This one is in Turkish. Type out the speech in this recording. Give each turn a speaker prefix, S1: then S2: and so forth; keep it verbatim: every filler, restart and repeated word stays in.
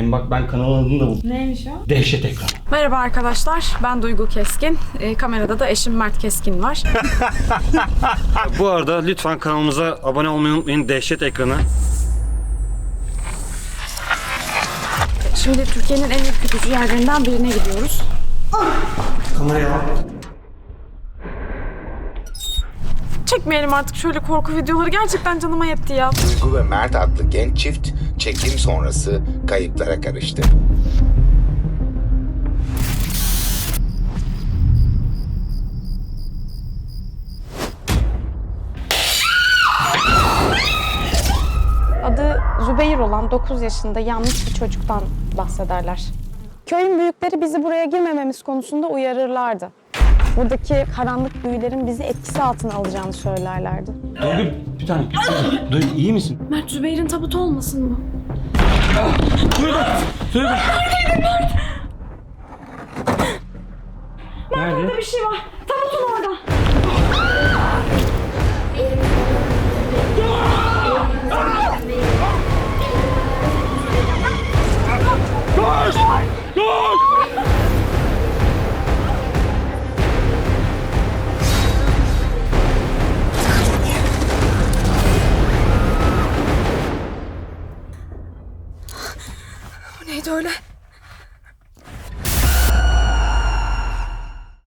S1: söyleyeyim. Bak ben kanalın adını da buldum.
S2: Neymiş o?
S1: Dehşet ekranı.
S2: Merhaba arkadaşlar, ben Duygu Keskin. E, kamerada da eşim Mert Keskin var.
S1: Bu arada lütfen kanalımıza abone olmayı unutmayın. Dehşet ekranı.
S2: Şimdi Türkiye'nin en ürkütücü yerlerinden birine gidiyoruz.
S1: Kameraya al.
S2: Çekmeyelim artık şöyle korku videoları. Gerçekten canıma yetti ya.
S3: Duygu ve Mert adlı genç çift çekim sonrası kayıplara karıştı.
S2: Adı Zübeyir olan dokuz yaşında yanlış bir çocuktan bahsederler. Köyün büyükleri bizi buraya girmememiz konusunda uyarırlardı. Buradaki karanlık büyülerin bizi etkisi altına alacağını söylerlerdi.
S1: Duygu bir tane. Duygu iyi misin?
S2: Mert, Zübeyir'in tabutu olmasın bu?
S1: Duygu! Duygu!
S2: Mert, orada bir şey var. Tabutun orada.
S1: Koş! Koş!
S2: Bu neydi öyle?